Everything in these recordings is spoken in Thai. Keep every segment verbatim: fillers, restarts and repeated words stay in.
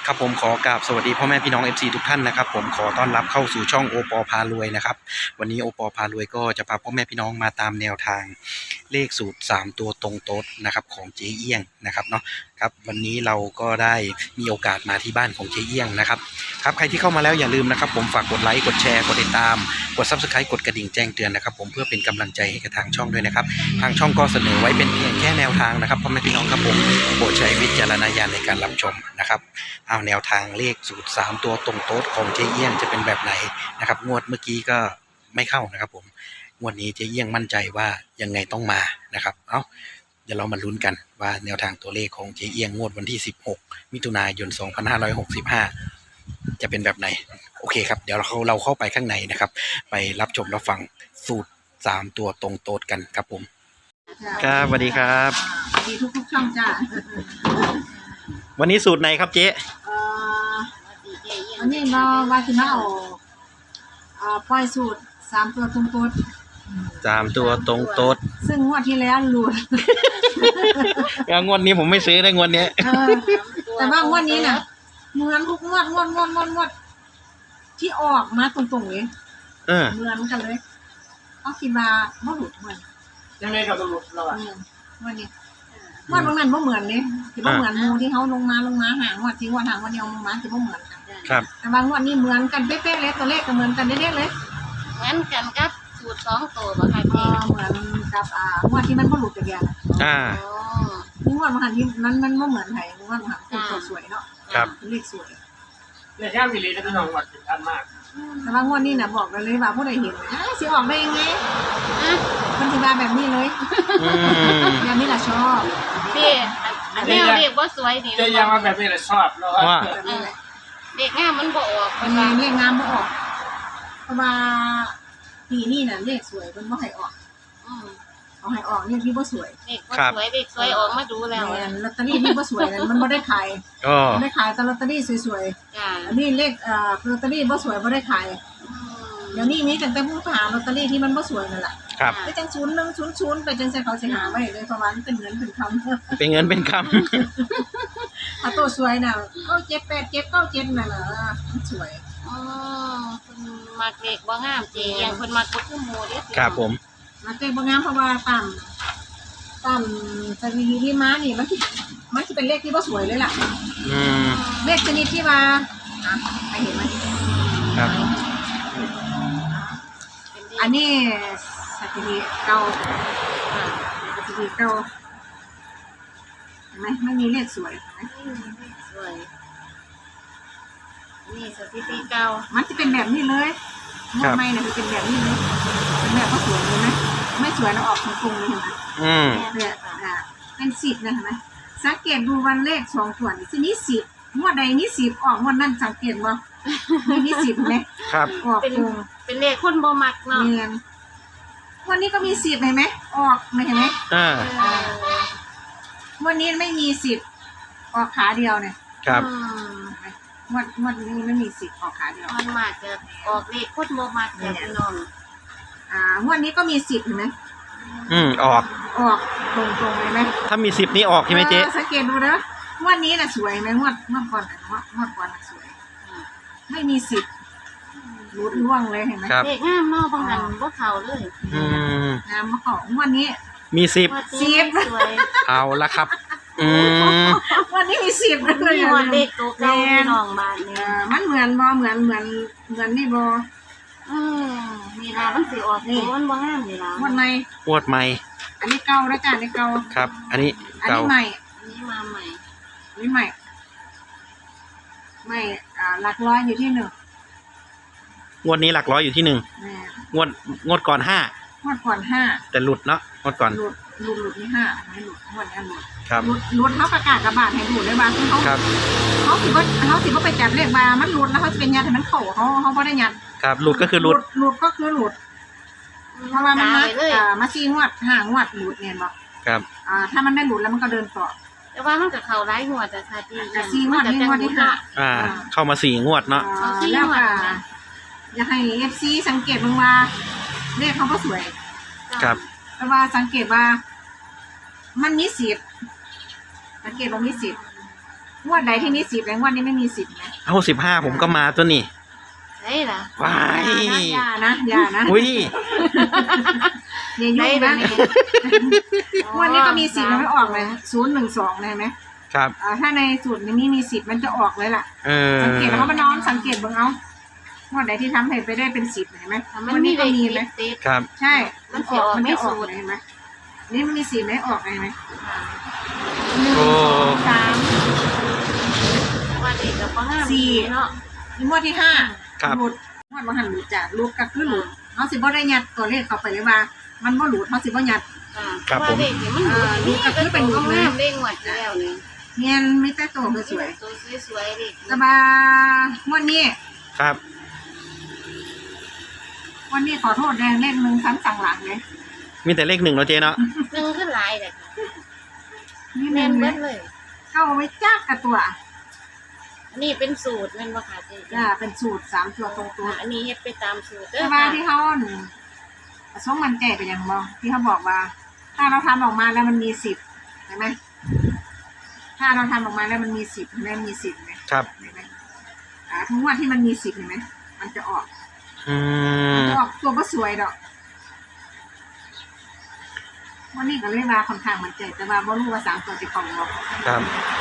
ครับผมขอกราบสวัสดีพ่อแม่พี่น้อง เอฟ ซี ทุกท่านนะครับผมขอต้อนรับเข้าสู่ช่องโอปอพารวยนะครับวันนี้โอปอพารวยก็จะพาพ่อแม่พี่น้องมาตามแนวทางเลขสูตรสามตัวตรงโต๊ดนะครับของเจ๊เอี้ยงนะครับเนาะครับวันนี้เราก็ได้มีโอกาสมาที่บ้านของเจ๊เอี้ยงนะครับครับใครที่เข้ามาแล้วอย่าลืมนะครับผมฝากกดไลค์กดแชร์กดติดตามกด ซับสไครบ์ กดกระดิ่งแจ้งเตือนนะครับผมเพื่อเป็นกำลังใจให้กับทางช่องด้วยนะครับทางช่องก็เสนอไว้เป็นเพียงแค่แนวทางนะครับพ่อแม่พี่น้องครับผมโปรดใช้วิจารณญาณในการรับชมนะครับเอาแนวทางเลขสูตรสามตัวตรงโต๊ดของเจ๊เอี้ยงจะเป็นแบบไหนนะครับงวดเมื่อกี้ก็ไม่เข้านะครับผมงวดนี้เจ๊เอี้ยงมั่นใจว่ายังไงต้องมานะครับเอ้าเดี๋ยวเรามาลุ้นกันว่าแนวทางตัวเลขของเจ๊เอี้ยงงวดวันที่สิบหกมิถุนายนสองพันห้าร้อยหกสิบห้าจะเป็นแบบไหนโอเคครับเดี๋ยวเราเราเข้าไปข้างในนะครับไปรับชมรับฟังสูตรสามตัวตรงโต๊ดกันครับผมครับสวัสดีครับสวัสดีทุกทุกช่องจ้าวันนี้สูตรไหนครับเจ๊เอ่อวันนี้มาว่าที่มาเอาเอ่อปล่อยสูตรสามตัวตรงตัวสามตัวตรงโต๊ดซึ่งงวดที่แล้วหลุดงวดนี้ผมไม่ซื้อได้งวดนี้แต่ว่างวดนี้น่ะเหมือนทุกงวดงวดงวดงวดงวดที่ออกมาตรงๆเลยเออเหมือนกันเลยเขาคิดว่าบ่หลุดเหมือนยังไงกับหลุดเราอ่ะวันนี้งวดบางนั้นบ่เหมือนนี่ที่บ่เหมือนหมู่ที่เขาลงมาลงมาหางวดที่งวดหางวันเดียวลงมาที่บ่เหมือนกันครับแต่บางงวดนี้เหมือนกันเป๊ะๆเลยตัวเลขก็เหมือนกันเด้ๆเลยเหมือนกันกับสูตรสองตัวบ่ค่ะพี่เหมือนกับอ่างวดที่มันบ่หลุดจักอย่างอ่านี่งวดบางหันที่มันมันบ่เหมือนไผงวดบางหันคือตัวสวยเนาะครับเลขสวยเลขย่ามมีเลขที่น้องวัดถึงทันมากแต่ว่างวดนี้น่ะบอกกันเลยว่าผู้ใดเห็นอ่ะสิออกได้ยังไงมันสิว่าแบบนี้เลยแบบนี้ล่ะชอบพี่อันนี้เลขบ่สวยนี่จะยังมาแบบนี้แหละชอบเนาะว่าเลขงามมันบ่ออกมันเลขงามบ่ออกเพราะว่าปีนี้น่ะเลขสวยเพิ่นบ่ให้ออกอือเอาให้ออกเลขที่บ่สวยเลขบ่สวยเลขสวยออกมาดูแล้วลอตเตอรี่ที่บ่สวยนั่นมันบ่ได้ขายอ๋อได้ขายแต่ลอตเตอรี่สวยๆจ้ะอันนี้เลขเอ่อลอตเตอรี่บ่สวยบ่ได้ขายเดี๋ยวนี้มีตั้งแต่ผู้หาลอตเตอรี่ที่มันบ่สวยนั่นแหละครับไปจังศูนย์หนึ่งศูนย์ศูนย์ไปจังซี่เขาสิหาไว้เลยเพราะว่ามันเป็นเงินเป็นคำเป็นเงินเป็นคำถ้าตัวสวยน่ะเก้าเจ็ดแปดเจ็ดเก้าเจ็ดนั่นน่ะมันสวยอ๋อเพิ่นมักเลขบ่งามเจยังเพิ่นมักบ่คือหมู่เด้ครับผมมักเลขบ่งามเพราะว่าต่ำต่ำสถิติที่มานี่มันสิมันสิเป็นเลขที่บ่สวยเลยล่ะอืมเลขชนิดที่ว่าอ่ะใครเห็นมั้ยครับอันนี้สถิติเก่าสถิติเก่าเห็นไหมไม่มีเลขสวยเห็นไหมสวยนี่สถิติเก่ามันจะเป็นแบบนี้เลยงวดใหม่เนี่ยจะเป็นแบบนี้เลยเป็นแบบก็สวยเลยนะไม่สวยแล้วออกตรงๆเลยเห็นไหมอืมเนี่ยอ่าเป็นสิบนะเห็นไหมสังเกตดูวันเลขสองส่วนที่นี่สิบงวดใดนี่สิบออกงวดนั้นสังเกตว่านี่สิบไหมครับออกตรงเป็นเลขคนบ่มักเนาะเนี่ยวันนี้ก็มีสิบเห็นไหมออกไม่เห็นไหมอ่าวันนี้ไม่มีสิบออกขาเดียวเนี่ยครับงวดงวดนี้ไม่มีสิบออกขาเดียวมันมากจะออกเลขคนบ่มักจะพี่น้องอ่างวดนี้ก็มีสิบเห็นไหมอืมออกออกตรงตรงเลยไหมถ้ามีสิบนี้ออกใช่ไหมเจ๊สังเกตดูนะงวดนี้น่ะสวยไหมงวดงวดก่อนงวดงวดก่อนน่ะสวยไม่มีสิบรุดล่วงเลยเห็นไหมเลขงามเนาะบางอันบ่เข้าเลยอืมงามมาของงวดนี้มีสิบสิบเอาละครับอืมวันนี้มีสิบเลยงวดเลขตัวเก่าน้องบ้านเนี่ยมันเหมือนบ่เหมือนเหมือนเหมือนนี่บ่อืมนี่ล่ะมันสิออกนี่มันบ่งามนี่ล่ะงวดใหม่งวดใหม่อันนี้เก่าแล้วจ้ะอันนี้เก่าครับอันนี้อันนี้ใหม่อันนี้มาใหม่อันนี้ใหม่ใหม่อ่าหลักร้อยอยู่ที่หนึ่งงวดนี้หลักร้อยอยู่ที่หนึ่งงวดงวดก่อนห้างวดก่อนห้าแต่หลุดเนาะงวดก่อนหลุดหลุดหลุดนี่ห้าไม่หลุดงวดนี้หลุดครับหลุดหลุดเขาประกาศกระบาดให้หลุดเลยบางเขาเขาถือว่าเขาถือว่าไปจับเลขมามันหลุดแล้วเขาจะเป็นยัดให้มันเข่าเขาเขาไม่ได้ยัดครับหลุดก็คือหลุดหลุดก็คือหลุดเพราะว่ามันมาอ่ามาซีงวดห้างวดหลุดเนี่ยบอกครับอ่าถ้ามันไม่หลุดแล้วมันก็เดินต่อแต่ว่ามันก็เข้าหลายงวดแต่ค่ะที่ซีงวดนี่งวดที่ห้าอ่าเข้ามาสี่งวดเนาะแล้วก็อยากให้เอฟซีสังเกตลงมาเลขเขาก็สวยครับแต่ว่าสังเกตว่ามันมีสิบสังเกตว่ามีสิบงวดไหนที่มีสิบแล้วงวดนี้ไม่มีสิบนะเอาสิบห้าผมก็มาตัวนี่ใช่ล่ะว้ายอย่านะอย่านะอุ้ยอย่ายุ่งนะงวดนี้ก็มีสิบมันไม่ออกเลยศูนย์หนึ่งสองเลยไหมครับอ่าถ้าในสูตรนี้มีสิบมันจะออกเลยล่ะเออสังเกตแล้วเขามานอนสังเกตเบิ่งเอางวดไหนที่ทำให้ไปได้เป็นสิบเห็นไหมมันวันมีนี้เลก็ขมีไหมติดครับใช่มันสิออกมันไม่จะออกสูตรเลยเห็นไหมนี่มันมีสิบไหมออกเลยไหมหนึ่งโอ้สองสามว่าเด็กกับบ่งามสี่เนาะนี่งวดที่ห้าครับหลุดงวดมาหันหลุดจ้ะหลุดก็คือหลุดเขาสิบ่ได้ยัดตัวเลขเข้าไปเลยว่า มันบ่หลุดเขาสิบ่ยัดครับผมว่าเด็กนี่มันเออนี่ก็คือเป็นหลุดเลยงามเด้งหวัดอยู่แล้วนี่เงียนไม่แต่ตัวสวยตัวสวยๆเด็กๆแต่ว่างวดนี้ครับวันนี้ขอโทษแดงเลขหนึ่งครั้งสั่งหลังเลยมีแต่เลขหนึ่งเนาะเจ๊เนาะหนึ่งขึ้นหลายเลยนี่แม่แม่นนเบิเลดยเลยเข้าไว้จ้ากกับตัวอันนี้เป็นสูตรแม่นบ่ค่ะเจ๊จ้าเป็นสูตรสามตัวตรงตัวอันนี้เฮ็ดไปตามสูตรเด้แต่อว่าค่ะที่เขาหนึ่งสองมันแก่ไปอย่างบอที่เขาบอกว่า ถ้าเราทำออกมาแล้วมันมีสิบเห็นไหมถ้าเราทำออกมาแล้วมันมีสิบเห็นไหมมีสิบไหมครับเห็นไหมอ่าทุกวันที่มันมีสิบเห็นไหมมันจะออกอืมออกตัวก็สวยดอกวันนี้ก็เลยว่าค่อนข้างมันใจแต่ว่าบ่รู้ว่าสามตัวจะของบอกครับ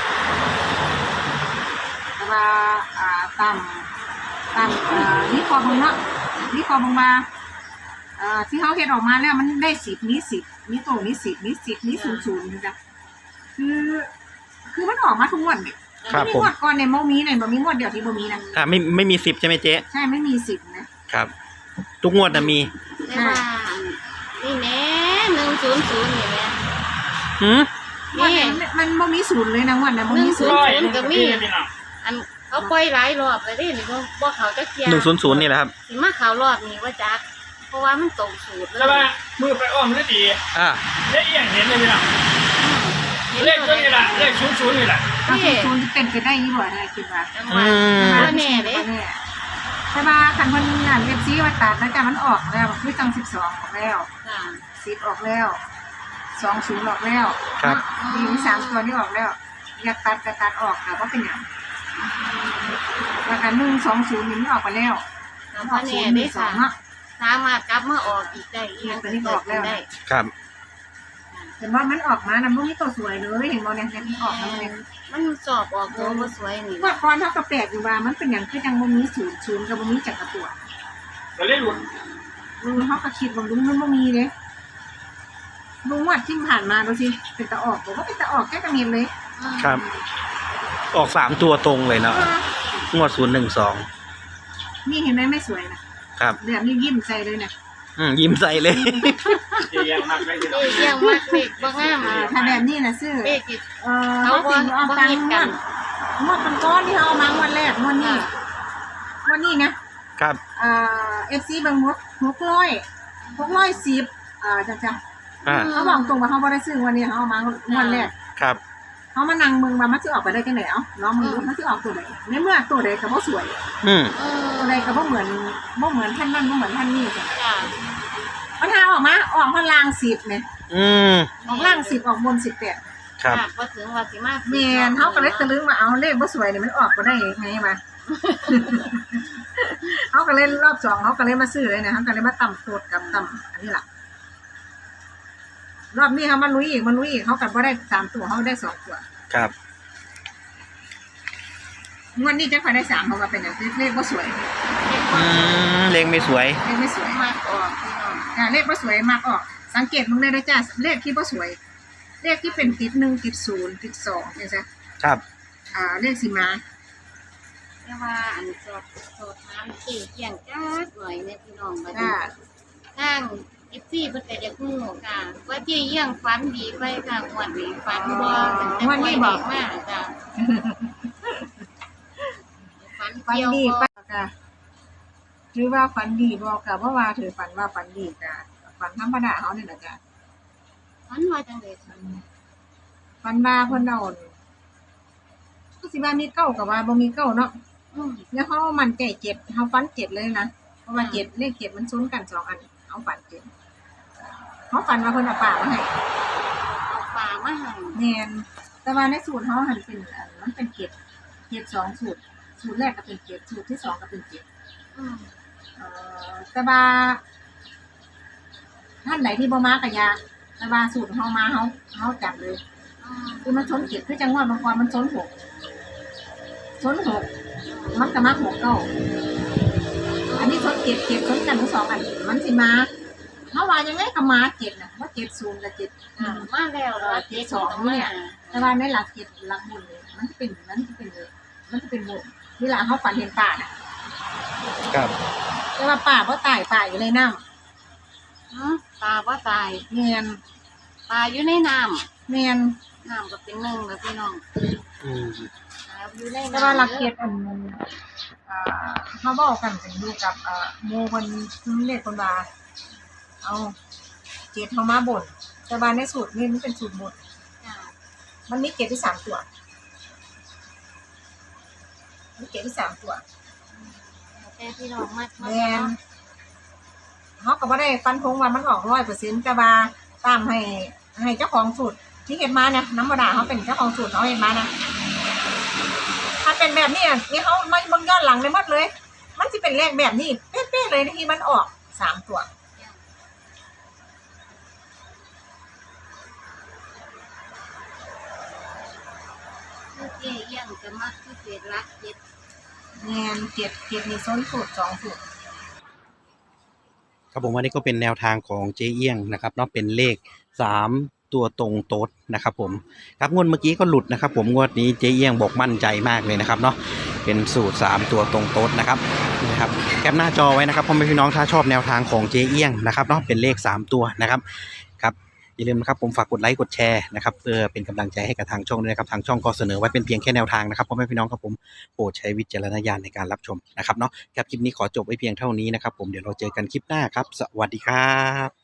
แต่ว่าอ่าตามตามเอ่อนี่คอบึงเนาะนี่คอบึงมาเอ่อที่เขาเฮ็ดออกมาแล้วมันได้สิบนี้สิบนี้โตนี้สิบนี้สิบนี้ศูนย์ศูนย์นะจ๊ะคือ คือมันออกมาทุกงวดเนี่ยครับไม่มีผมงวดก่อนเนี่ยโมมีเนี่ยบ่มีงวดเดียวที่บ่มีนะอ่าไม่ไม่มีสิบใช่ไหมเจ๊ใช่ไม่มีสิบนะครับทุกงวดนะมีแต่ว่านี่แหน่หนึ่งศูนย์ศูนย์นี่แหละหืมงวดนั้นมันบ่มีศูนย์เลยนะงวดนั้นบ่มีศูนย์ร้อยเลยก็มีพี่น้องอันเขาปล่อยหลายรอบเลยเด้นี่บ่บ่เขาจักเที่ยหนึ่งศูนย์ศูนย์นี่แหละครับสิมาเขารอบนี้ว่าจักเพราะว่ามันตรงสูตรเลแต่ว่าย Dạ. มือไปอ้อมได้ดีอ่าได้เอียงเห็นเลยพี่น้องเลขตัวนี้แหละเลขศูนย์ศูนย์นี่แหละถ้าศูนย์ศูนย์เป็นไปได้ยี่บ่ได้คิดว่าจังอืว่าม บ่แน่เด้ใช่ป่ะคันคนงานเว็บซีว่าตัดแล้วจ้ะมันออกแล้วคือจังสิบสองออกแล้วค่ะสิบออกแล้วสองศูนย์ออกแล้วครับมีสามตัวนี้ออกแล้ว อยากตัดก็ตัดออกแต่ว่าเป็นอย่างแล้วกันหนึ่งสองศูนย์นี่มันออกไปแล้วก็อบ่อกศูแน่นย์หเด้นึ่งสอค่ะงเนาะสามารถกลับมาออกอีกได้อีกอย่างก็เกิดขึ้นได้ครับเห็นว่ามันออกมานะมันไม่ตัวสวยเลยเห็นบ่เนี่ยมันออกแล้วเนี่ยมันสอบออกตัวบ่สวยนี่ว่าก่อนเท่ากับแปลกอยู่ว่ามันเป็นอย่างคือจังบ่มีศูนย์ศูนย์กับบ่มีจักรตัวก็เลยหลุดลุงเขาก็คิดว่าลุงมันบ่มีเลยลุงวัดที่ผ่านมาดูสิเป็นตะออกบอกว่าเป็นตะออกแค่กระเมียนเลยครับ ออกสามตัวตรงเลยเนาะเอองวดศูนย์หนึ่งสองนี่เห็นไหมไม่สวยนะครับ แบบนี้ยิ้มใจเลยนะอืมยิ้มใส่เลยเอียงมากเลยพี่น้องเอ้ยเยี่ยมมากเด็กบ่งามอ่าเลยถ้าแบบนี้นะซื้อเด็กที่เออเขาเขาบ่สิเอาบ่ตังเฮ็ดค์กังวดนงวดก้อนๆที่เขาเอามางวดแรกงวดนี้งวดนี้นะครับ อ่าเอฟซีบางงวดหกร้อยหกร้อยสิบอ่าจ้ะจ้ะอ่าเขาบอกตรงว่าเขาบ่ได้ซื้อวันนี้เขาเอามางวดแรกครับเขามานั่งมึงว่ามันจะออกไปได้จังไหนเอ้าน้องมึงดูมันจะออกตัวไหนในเมื่อตัวใดก็บ่สวยอืมเออตัวใดก็บ่เหมือนบ่เหมือนท่านนั่นบ่เหมือนท่านนี่จ้ะจ้ะมันหาออกมาออกมาลางสิบเนี่ยอืมออกล่างสิบออกบนสิบแปดครับคาดบ่ถึงว่าสิมาแม่นเขาก็เลยตะลึงว่าเอาเลขบ่สวยนี่มันออกบ่ได้ไงมา เขาก็เลยรอบสองเขาก็เลยมาซื้อเลยนะเขาก็เลยมาต่ำโคตรกับต่ำอันนี้ล่ะรอบนี้เขามาลุยอีกมาลุยอีกเขาก็บ่ได้สามตัวเขาได้สองตัวครับงวดนี้จะค่อยได้สามเพราะว่าเป็นอย่างเลขบ่สวยอืมเลขไม่สวยเลขไม่สวยมากออกพี่น้องอ่าเลขบ่สวยมากออก สังเกตมึงได้เลยจ้าเลขที่บ่สวย เลขที่เป็นติดหนึ่งติดศูนย์ติดสองเนี่ยจ้ะครับอ่าเลขสีมาแต่ว่าอันสอบสอบถามสิเกี่ยงจักหน่อยแม่พี่น้องบัดจ้านี้ทาง เอฟ ซี เพิ่นก็อยากฮู้ค่ะ ว่าเจ๊เยี่ยงฝันดีไปค่ะงวดนี้ฝันบ่ตั้งแต่งวดนี้บอกมาจ้ะฝันฝันเกี่ยวดีบ่ป่ะกะถือว่าฝันดีบอกกะเพราะว่าถือฝันว่าฝันดีกะฝันธรรมดาเขาเนี่ยแหละจ้ะฝันว่าจังได๋ค่ะฝันว่าเพิ่นเอาก็สิว่ามีเก้ากับว่าบ่มีเก้าเนาะอืมแล้วเขามันใจเจ็ดเขาฝันเจ็ดเลยนะเพราะว่าเจ็ดเลขเจ็ดมันซ้นกันสองอันเขาฝันเจ็ดเขาฝันว่าเพิ่นเอาป่ามาให้เอาปลามาให้แม่นแต่แต่ว่าในสูตรเขาหันเป็นอันมันเป็นเจ็ดเจ็ดสองสูตรสูตรแรกก็เป็นเจ็ดสูตรที่สองก็เป็นเจ็ดอืมเอ่อแต่ว่าท่านไหนที่บ่มากะยาแต่ว่าสูตรเฮามาเฮาเฮาจับเลยอืมคือมันชนเจ็ดคือจังหวัดบางกรมันชนหกชนหกมันก็มาหกเก้าอันนี้ชนเจ็ดเจ็ดชนกันทั้งสองอันมันสิมาเฮาว่ายังไงก็มาเจ็ดน่ะว่าเจ็ดศูนย์กับเจ็ดอ่ามาแล้วเหรอเจ็ดสองเนี่ยแต่ว่าในหลักเจ็ดหลักบุญเลยมันจะเป็นมันจะเป็นเลยมันจะเป็นบุญเวลาเขาฝันเห็นป่าน่ะครับแต่ว่าป่าบ่ตายป่าอยู่ในน้อืมตาว่าตายำเมียนตายอยู่ในน้เมียนำน้ำก็เป็นหนึ่งแล้วพี่น้องอืมตายอยู่ในน้ำแต่ว่าหลักเจ็ดอันนึงอ่าเขาบอกกันถึงอยู่กับอ่าโมคนเรียกคนว่าเอาเจ็ดเขามาบ่นแต่ว่าในสูตรนี่มันเป็นสูตรบนจ้ะมันมีเจ็ดที่สามตัวมีเจ็ดที่สามตัวแต่พี่น้องมากแมนเขาก็บ่ได้ฟันธงว่ามันออกร้อยเปอร์เซ็นต์แต่ว่าตามให้ให้เจ้าของสูตรที่เห็นมาเนี่ยน้ำมาด่าเขาเป็นเจ้าของสูตรเขาเห็นมานะถ้าเป็นแบบนี้อ่ะนี่เขาไม่เบิ่งย้อนหลังเลยหมดเลย มันจะเป็นเลขแบบนี้เป๊ะๆเลยที่มันออกสามตัวคือเจ๊เอี้ยงจะมักที่เจ็ดรักเจ็ดแมนเจ็ดเจ็ดมีส้นสูตรสองสูตรครับผมวันนี้ก็เป็นแนวทางของเจ๊เอี้ยงนะครับเนาะเป็นเลขสามตัวตรงโต๊ดนะครับผมครับงวดเมื่อกี้ก็หลุดนะครับผมงวดนี้เจ๊เอี้ยงบอกมั่นใจมากเลยนะครับเนาะเป็นสูตรสามตัวตรงโต๊ดนะครับนี่นะครับแคปหน้าจอไว้นะครับพ่อแม่พี่น้องถ้าชอบแนวทางของเจ๊เอี้ยงนะครับเนาะเป็นเลขสามตัวนะครับครับอย่าลืมนะครับผมฝากกดไลค์กดแชร์นะครับเพื่อเป็นกำลังใจให้กับทางช่องด้วยนะครับทางช่องก็เสนอไว้เป็นเพียงแค่แนวทางนะครับพ่อแม่พี่น้องครับผมโปรดใช้วิจารณญาณในการรับชมนะครับเนาะครับคลิปนี้ขอจบไว้เพียงเท่านี้นะครับผมเดี๋ยวเราเจอกันคลิปหน้าครับสวัสดีครับ